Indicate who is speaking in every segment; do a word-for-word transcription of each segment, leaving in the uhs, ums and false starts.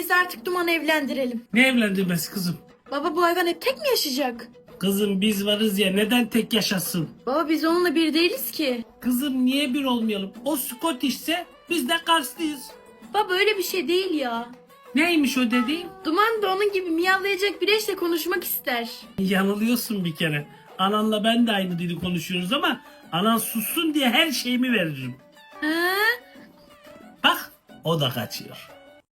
Speaker 1: biz artık Duman'ı evlendirelim.
Speaker 2: Ne evlendirmesi kızım?
Speaker 1: Baba bu hayvan hep tek mi yaşayacak?
Speaker 2: Kızım biz varız ya, neden tek yaşasın?
Speaker 1: Baba biz onunla bir değiliz ki.
Speaker 2: Kızım niye bir olmayalım? O Scottish'se biz de Karslıyız.
Speaker 1: Baba öyle bir şey değil ya.
Speaker 2: Neymiş o dediğin?
Speaker 1: Duman da onun gibi miyavlayacak bir eşle konuşmak ister.
Speaker 2: Yanılıyorsun bir kere. Ananla ben de aynı dili konuşuyoruz ama anan sussun diye her şeyimi veririm.
Speaker 1: Ha?
Speaker 2: Bak o da kaçıyor.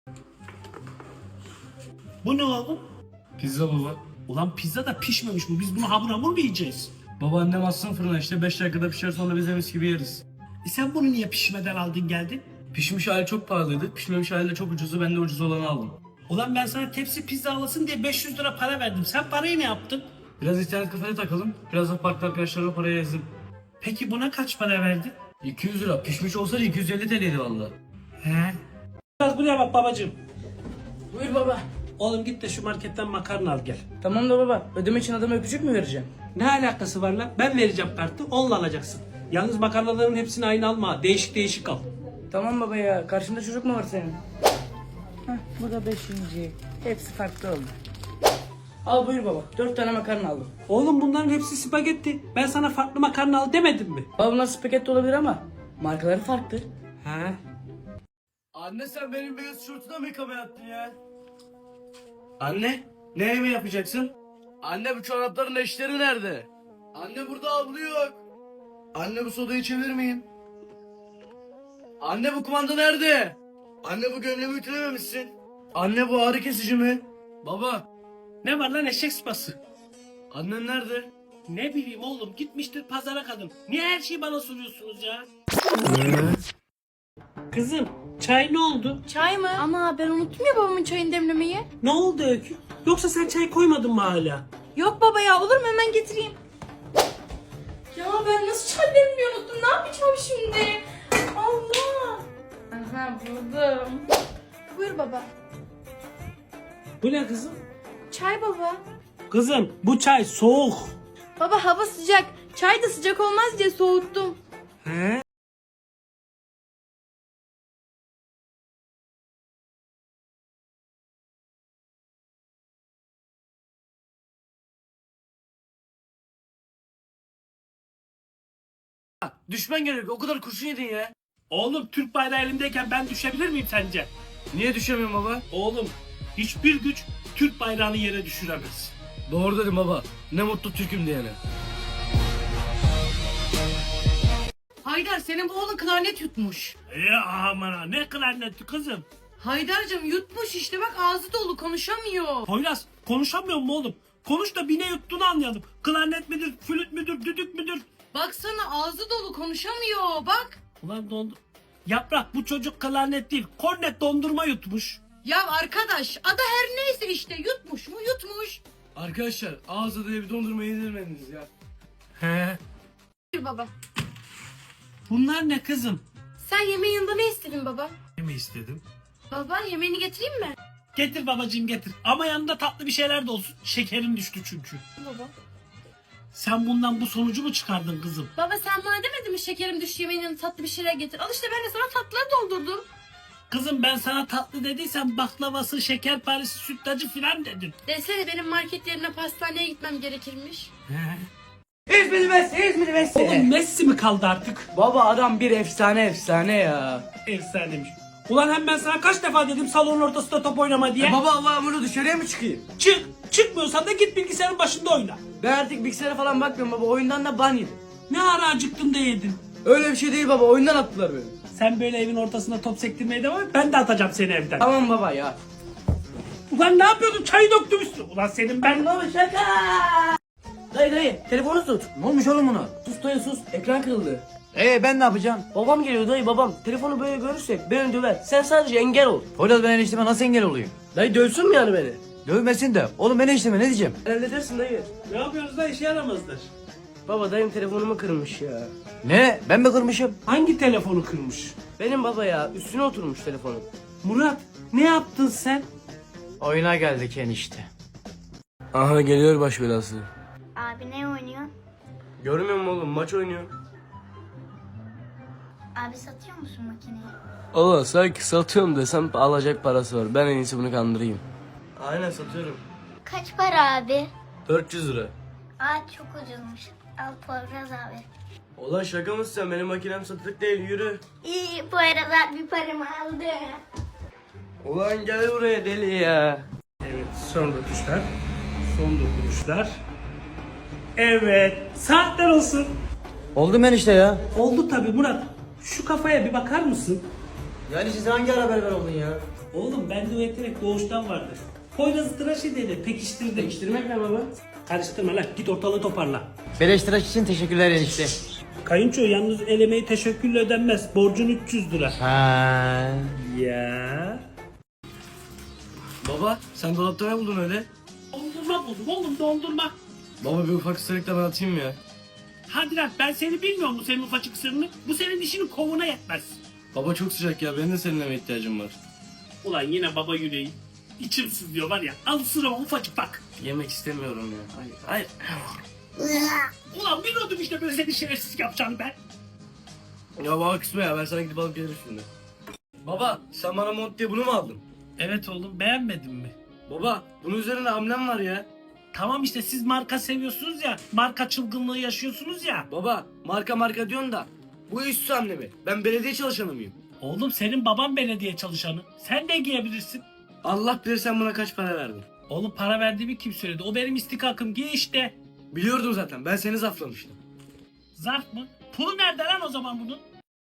Speaker 2: Bu ne oğlum?
Speaker 3: Pizza baba.
Speaker 2: Ulan pizza da pişmemiş bu. Biz bunu hamur hamur mu yiyeceğiz?
Speaker 3: Babaannem atsın fırına işte beş dakikada pişer sonra biz de mis gibi yeriz.
Speaker 2: E sen bunu niye pişmeden aldın geldin?
Speaker 3: Pişmiş hali çok pahalıydı. Pişmemiş hali de çok ucuzdu. Ben de ucuz olanı aldım.
Speaker 2: Ulan ben sana tepsi pizza alasın diye beş yüz lira para verdim. Sen parayı ne yaptın?
Speaker 3: Biraz internet kafede takalım. Biraz da parkta arkadaşlarla parayı ezdim.
Speaker 2: Peki buna kaç para verdin?
Speaker 3: iki yüz lira. Pişmiş olsaydı iki yüz elli T L'ydi valla.
Speaker 2: He. Biraz buraya bak babacığım.
Speaker 4: Buyur baba.
Speaker 2: Oğlum git de şu marketten makarna al gel.
Speaker 4: Tamam da baba. Ödeme için adama öpücük mü vereceğim?
Speaker 2: Ne alakası var lan? Ben vereceğim kartı, onunla alacaksın. Yalnız makarnaların hepsini aynı alma. Değişik değişik al.
Speaker 4: Tamam baba ya. Karşında çocuk mu var senin? Heh, bu da beşinci. Hepsi farklı oldu. Al buyur baba. Dört tane makarna aldım.
Speaker 2: Oğlum bunların hepsi spagetti. Ben sana farklı makarna al demedim mi?
Speaker 4: Baba bunlar spagetti olabilir ama markaları farklı.
Speaker 2: He.
Speaker 3: Anne sen benim beyaz tişörtüne mi yıkamaya attın ya?
Speaker 2: Anne, ne yemeği yapacaksın?
Speaker 3: Anne bu çorapların eşleri nerede? Anne burada havlu yok. Anne bu sodayı içebilir miyim? Anne bu kumanda nerede? Anne bu gömleğimi ütülememişsin. Anne bu ağrı kesici mi? Baba.
Speaker 2: Ne var lan eşek sıpası?
Speaker 3: Annen nerede?
Speaker 2: Ne bileyim oğlum, gitmiştir pazara kadın. Niye her şeyi bana soruyorsunuz ya? Kızım, çay ne oldu?
Speaker 1: Çay mı? Ana ben unuttum ya babamın çayını demlemeyi.
Speaker 2: Ne oldu Öykü? Yoksa sen çay koymadın mı hala?
Speaker 1: Yok baba ya olur mu hemen getireyim. Ya ben nasıl çay demlemeyi unuttum ne yapacağım şimdi? Allah. Aha buldum. Buyur baba.
Speaker 2: Bu ne kızım?
Speaker 1: Çay baba.
Speaker 2: Kızım, bu çay soğuk.
Speaker 1: Baba hava sıcak. Çay da sıcak olmaz diye soğuttum.
Speaker 2: He?
Speaker 3: Düşmen gerek. O kadar kurşun yedin ya.
Speaker 2: Oğlum Türk bayrağı elimdeyken ben düşebilir miyim sence?
Speaker 3: Niye düşemiyorum baba?
Speaker 2: Oğlum, hiçbir güç Türk bayrağını yere düşüremez.
Speaker 3: Doğru dedim baba. Ne mutlu Türk'üm diyene.
Speaker 5: Haydar senin bu oğlun klarnet yutmuş.
Speaker 2: Ya aman ha, ne klarneti kızım?
Speaker 5: Haydar'cığım yutmuş işte bak ağzı dolu konuşamıyor.
Speaker 2: Poyraz, konuşamıyor mu oğlum? Konuş da bir ne yuttuğunu anlayalım. Klarnet midir, flüt müdür, düdük müdür?
Speaker 5: Baksana ağzı dolu konuşamıyor bak.
Speaker 2: Ulan dondu. Yaprak, bu çocuk klarnet değil, kornet dondurma yutmuş.
Speaker 5: Ya arkadaş adı her neyse işte yutmuş mu yutmuş.
Speaker 3: Arkadaşlar ağzı diye bir dondurma yedirmediniz ya.
Speaker 2: He.
Speaker 1: Buyur baba.
Speaker 2: Bunlar ne kızım?
Speaker 1: Sen yemeğin yanında ne istedin baba?
Speaker 2: Ne mi istedim?
Speaker 1: Baba yemeğini getireyim mi?
Speaker 2: Getir babacığım getir. Ama yanında tatlı bir şeyler de olsun. Şekerim düştü çünkü.
Speaker 1: Baba.
Speaker 2: Sen bundan bu sonucu mu çıkardın kızım?
Speaker 1: Baba sen bana demedin mi şekerim düştü yemeğin yanına tatlı bir şeyler getir. Al işte ben de sana tatlıları doldurdum.
Speaker 2: Kızım ben sana tatlı dediysem baklavası, şekerparesi, sütlacı filan dedim.
Speaker 1: Desene benim market yerine pastaneye gitmem gerekirmiş.
Speaker 2: He.
Speaker 4: İzmir Messi, İzmir Messi.
Speaker 2: Oğlum Messi mi kaldı artık?
Speaker 4: Baba adam bir efsane efsane ya.
Speaker 2: Efsanemiş. Ulan hem ben sana kaç defa dedim salonun ortasında top oynama diye.
Speaker 4: Baba Allah'ım bunu dışarıya mı çıkayım?
Speaker 2: Çık. Çıkmıyorsan da git bilgisayarın başında oyna.
Speaker 4: Ben artık bilgisayara falan bakmıyorum baba. Oyundan da ban yedim.
Speaker 2: Ne ara acıktın da yedin.
Speaker 4: Öyle bir şey değil baba. Oyundan attılar beni.
Speaker 2: Sen böyle evin ortasında top sektirmeye devam et. Ben de atacağım seni evden.
Speaker 4: Tamam baba ya.
Speaker 2: Ulan ne yapıyordun? Çayı döktüm üstüne. Ulan senin ben...
Speaker 4: Baba şaka. Dayı dayı telefonu tut. Ne olmuş oğlum buna? Sus dayı sus. Ekran kırıldı.
Speaker 6: Ee ben ne yapacağım?
Speaker 4: Babam geliyor dayı babam. Telefonu böyle görürsek beni döver. Sen sadece engel ol.
Speaker 6: Poyraz ben enişteme nasıl engel olayım?
Speaker 4: Dayı dövsün mü yani beni?
Speaker 6: Dövmesin de. Oğlum ben enişteme ne diyeceğim?
Speaker 4: Halledersin dayı.
Speaker 2: Ne yapıyoruz da işe yaramazdır.
Speaker 4: Baba dayım telefonumu kırmış ya.
Speaker 6: Ne? Ben mi kırmışım?
Speaker 2: Hangi telefonu kırmış?
Speaker 4: Benim baba ya üstüne oturmuş telefonum.
Speaker 2: Murat ne yaptın sen?
Speaker 6: Oyuna geldik enişte.
Speaker 3: Aha geliyor baş belası.
Speaker 7: Abi ne oynuyor?
Speaker 3: Görmüyor musun oğlum maç oynuyor.
Speaker 7: Abi satıyor musun makineyi?
Speaker 3: Allah sanki satıyorum desem alacak parası var. Ben en iyisi bunu kandırayım. Aynen satıyorum.
Speaker 7: Kaç para abi?
Speaker 3: dört yüz lira.
Speaker 7: Aa çok ucuzmuş. Al Poyraz abi.
Speaker 3: Ulan şaka mısın sen? Benim makinem satılık değil, yürü.
Speaker 7: İyi Poyraz abi paramı aldı.
Speaker 3: Ulan gel buraya deli ya.
Speaker 2: Evet, son dokunuşlar. Son dokunuşlar. Evet, saatler olsun.
Speaker 6: Oldu mu enişte ya?
Speaker 2: Oldu tabii Murat. Şu kafaya bir bakar mısın?
Speaker 6: Yani siz hangi ara berber oldun ya?
Speaker 2: Oğlum bende o yetenek doğuştan vardır. Poyraz'ı tıraş edelim, pekiştirdim. Pekiştirmek ne baba? Karıştırma lan, git ortalığı toparla.
Speaker 6: Beleş tıraş için teşekkürler enişte.
Speaker 2: Kayınço yalnız el emeği teşekkürle ödenmez. Borcun üç yüz lira.
Speaker 6: Ha.
Speaker 2: Ya.
Speaker 3: Baba sen dolapta ne buldun öyle?
Speaker 2: Dondurma buldum oğlum, dondurma.
Speaker 3: Baba bir ufak ısırık da ben atayım ya.
Speaker 2: Hadi lan, ben seni bilmiyorum bu senin ufacık sırrını. Bu senin işinin kovuna yetmez.
Speaker 3: Baba çok sıcak ya, benim de seninle ihtiyacım var.
Speaker 2: Ulan yine baba yüreği. İçim sızlıyor var ya. Al sırama ufacık bak.
Speaker 3: Yemek istemiyorum ya. Hayır. Hayır.
Speaker 2: Ulan biliyordum işte böyle seni şerefsiz yapacağını ben.
Speaker 3: Ya baba kısma ya, ben sana gidip alıp gelirim şimdi. Baba sen bana mont diye bunu mu aldın?
Speaker 2: Evet oğlum, beğenmedin mi?
Speaker 3: Baba bunun üzerinde amblem var ya.
Speaker 2: Tamam işte, siz marka seviyorsunuz ya. Marka çılgınlığı yaşıyorsunuz ya.
Speaker 3: Baba marka marka diyorsun da bu üstü amblemi. Ben belediye çalışanı mıyım?
Speaker 2: Oğlum senin baban belediye çalışanı. Sen de giyebilirsin.
Speaker 3: Allah bilir sen buna kaç para verdin.
Speaker 2: Oğlum para verdiğimi kim söyledi? O benim istikakım. Giy işte.
Speaker 3: Biliyordum zaten, ben seni zaflamıştım.
Speaker 2: Zarf mı? Pulu nerede lan o zaman bunun?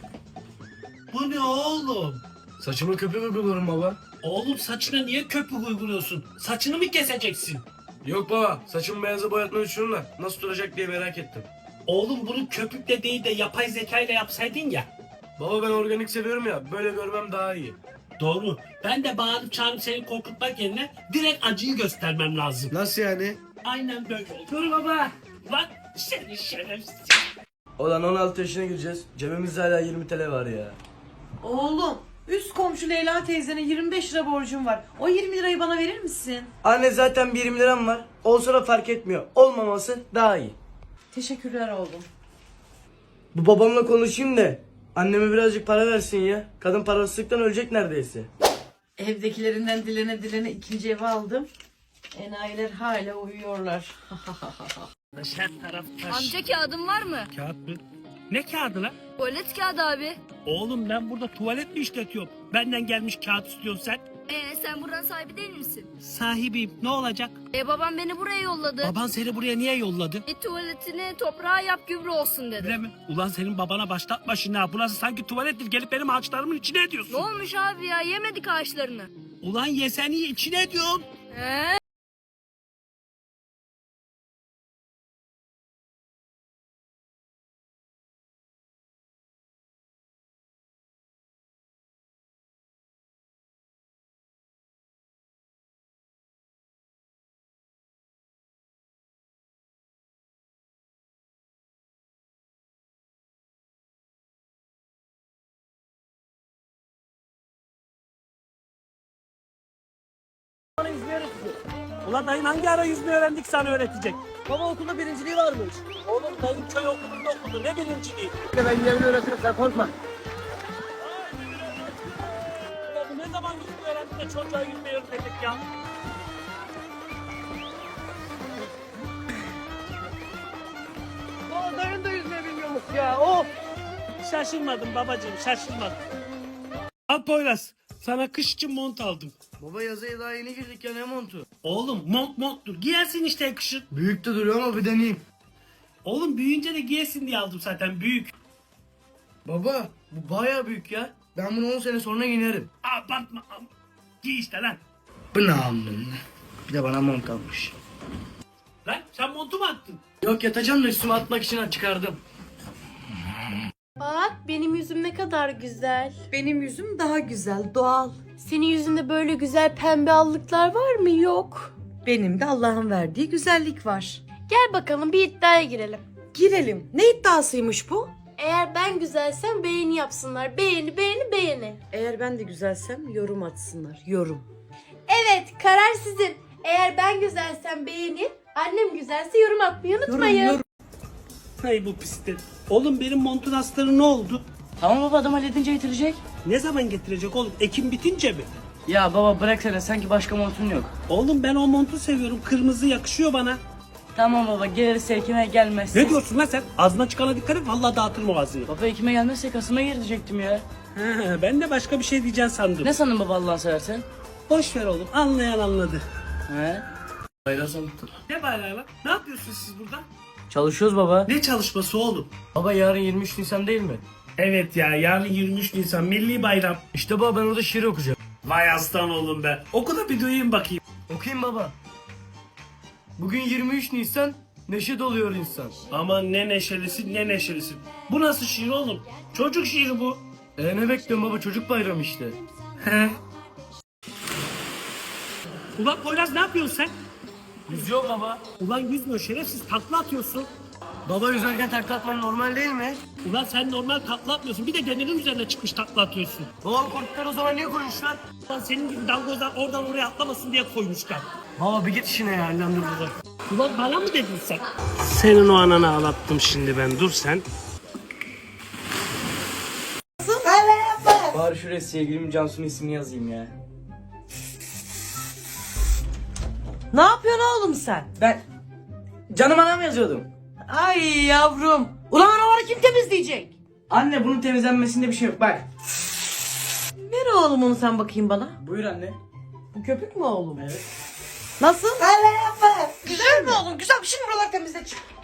Speaker 2: Bu ne oğlum?
Speaker 3: Saçıma köpük uyguluyorum baba.
Speaker 2: Oğlum saçına niye köpük uyguluyorsun? Saçını mı keseceksin?
Speaker 3: Yok baba, saçımı beyaza boyatmayı düşünüyorum da nasıl duracak diye merak ettim.
Speaker 2: Oğlum bunu köpükle değil de yapay zekayla yapsaydın ya.
Speaker 3: Baba ben organik seviyorum ya, böyle görmem daha iyi.
Speaker 2: Doğru. Ben de bağırıp çağırıp seni korkutmak yerine direkt acıyı göstermem lazım.
Speaker 3: Nasıl yani?
Speaker 2: Aynen böyle oldu. Dur baba. Lan seni şerefsiz.
Speaker 3: Olan on altı yaşına gireceğiz. Cebimizde hala yirmi TL var ya.
Speaker 5: Oğlum üst komşu Leyla teyzenin yirmi beş lira borcum var. O yirmi lirayı bana verir misin?
Speaker 3: Anne zaten bir yirmi liram var. Olsa da fark etmiyor. Olmaması daha iyi.
Speaker 5: Teşekkürler oğlum.
Speaker 3: Bu babamla konuşayım da anneme birazcık para versin ya. Kadın parasızlıktan ölecek neredeyse.
Speaker 5: Evdekilerinden dilene dilene ikinci evi aldım. Enayiler hala uyuyorlar.
Speaker 2: Her taraf taş.
Speaker 8: Amca kağıdın var mı?
Speaker 2: Kağıt mı? Ne kağıdı lan?
Speaker 8: Tuvalet kağıdı abi.
Speaker 2: Oğlum ben burada tuvalet mi işletiyorum? Benden gelmiş kağıt istiyorsun sen.
Speaker 8: Ee sen buranın sahibi değil misin?
Speaker 2: Sahibiyim. Ne olacak?
Speaker 8: E babam beni buraya yolladı.
Speaker 2: Baban seni buraya niye yolladı?
Speaker 8: E tuvaletini toprağa yap gübre olsun dedi.
Speaker 2: Öyle mi? Ulan senin babana başlatma şimdi ha. Burası sanki tuvalettir. Gelip benim ağaçlarımın içine ediyorsun.
Speaker 8: Ne olmuş abi ya, yemedik ağaçlarını.
Speaker 2: Ulan yeseni içine ediyorum.
Speaker 8: He?
Speaker 2: Ulan dayın hangi ara yüzme öğrendik sana öğretecek?
Speaker 6: Baba okulda birinciliği varmış.
Speaker 2: Oğlum dayın köy okulunda okudu. Ne birinciliği?
Speaker 6: Ben yerini öğretirim sen korkma.
Speaker 2: Ya bu ne zaman yüzme öğrendi de çocuğa yüzmeyi öğretecek ya?
Speaker 6: Baba dayın da yüzme bilmiyormuş ya. Oh.
Speaker 2: Şaşırmadım babacığım, şaşırmadım. Al Poyraz, sana kış için mont aldım.
Speaker 3: Baba yazıya daha yeni girdik ya, ne montu?
Speaker 2: Oğlum mont monttur. Giyersin işte kışın.
Speaker 3: Büyük de duruyor ama bir deneyeyim.
Speaker 2: Oğlum büyüyünce de giyesin diye aldım zaten, büyük.
Speaker 3: Baba bu bayağı büyük ya. Ben bunu on sene sonra giyerim.
Speaker 2: Abartma. Giy işte lan.
Speaker 3: Bu ne amına? Bir de bana mont almış.
Speaker 2: Lan sen montu mu attın?
Speaker 3: Yok yatacağım da üstüme atmak için çıkardım.
Speaker 9: Bak benim yüzüm ne kadar güzel.
Speaker 5: Benim yüzüm daha güzel, doğal.
Speaker 9: Senin yüzünde böyle güzel pembe allıklar var mı? Yok.
Speaker 5: Benim de Allah'ın verdiği güzellik var.
Speaker 9: Gel bakalım bir iddiaya girelim.
Speaker 5: Girelim. Ne iddiasıymış bu?
Speaker 9: Eğer ben güzelsem beğeni yapsınlar. Beğeni, beğeni, beğeni.
Speaker 5: Eğer ben de güzelsem yorum atsınlar. Yorum.
Speaker 9: Evet, karar sizin. Eğer ben güzelsem beğeni, annem güzelse yorum atmayı unutmayın.
Speaker 5: Yorum, yorum.
Speaker 2: Hay bu pislik. Oğlum benim montun astarı ne oldu?
Speaker 4: Tamam baba, adam halledince getirecek.
Speaker 2: Ne zaman getirecek oğlum? Ekim bitince mi?
Speaker 4: Ya baba bıraksana, sanki başka montun yok.
Speaker 2: Oğlum ben o montu seviyorum. Kırmızı yakışıyor bana.
Speaker 4: Tamam baba, gelirse Ekim'e gelmezse.
Speaker 2: Ne diyorsun lan sen? Ağzına çıkana dikkat et. Vallahi dağıtırım o ağzını.
Speaker 4: Baba Ekim'e gelmezse Kasım'a girecektim ya.
Speaker 2: Ha, ben de başka bir şey diyeceğim sandım.
Speaker 4: Ne sandın baba Allah'ını seversen?
Speaker 2: Boş ver oğlum. Anlayan anladı.
Speaker 4: He?
Speaker 3: Bayrağı sandım.
Speaker 2: Ne bayrağı lan? Ne yapıyorsunuz siz burada?
Speaker 4: Çalışıyoruz baba.
Speaker 2: Ne çalışması oğlum?
Speaker 4: Baba yarın yirmi üç Nisan değil mi?
Speaker 2: Evet ya, yarın yirmi üç Nisan milli bayram.
Speaker 4: İşte baba, ben orada şiir okuyacağım.
Speaker 2: Vay aslan oğlum be. Oku da bir duyayım bakayım.
Speaker 3: Okuyayım baba. Bugün yirmi üç Nisan, neşe doluyor insan.
Speaker 2: Aman ne neşelisin ne neşelisin. Bu nasıl şiir oğlum? Çocuk şiiri bu.
Speaker 3: E ne bekliyorsun baba, çocuk bayramı işte.
Speaker 2: He. Ulan Poyraz ne yapıyorsun sen?
Speaker 3: Yüzüyor baba.
Speaker 2: Ulan yüzmüyor şerefsiz, takla atıyorsun.
Speaker 3: Baba yüzerken takla atman normal değil mi?
Speaker 2: Ulan sen normal takla atmıyorsun. Bir de demirin üzerine çıkmış takla atıyorsun.
Speaker 3: Baba korktuklar o zaman niye koymuşlar?
Speaker 2: Ulan senin gibi dalgozlar oradan oraya atlamasın diye koymuşlar.
Speaker 3: Baba bir git işine ya, ellendirdiler.
Speaker 2: Ulan bana mı dedin sen? Senin o ananı ağlattım şimdi ben. Dur sen.
Speaker 4: Bari şuraya sevgilimin Cansu'nun ismini yazayım ya.
Speaker 5: Ne yapıyorsun oğlum sen?
Speaker 4: Ben canım anam yazıyordum.
Speaker 5: Ay yavrum. Ulan araları kim temizleyecek?
Speaker 4: Anne, bunun temizlenmesinde bir şey yok bak.
Speaker 5: Ver oğlum onu sen bakayım bana.
Speaker 4: Buyur anne.
Speaker 5: Bu köpük mü oğlum?
Speaker 4: Evet.
Speaker 5: Nasıl? Güzel mi oğlum? Güzel. Şimdi buralar temizle çık.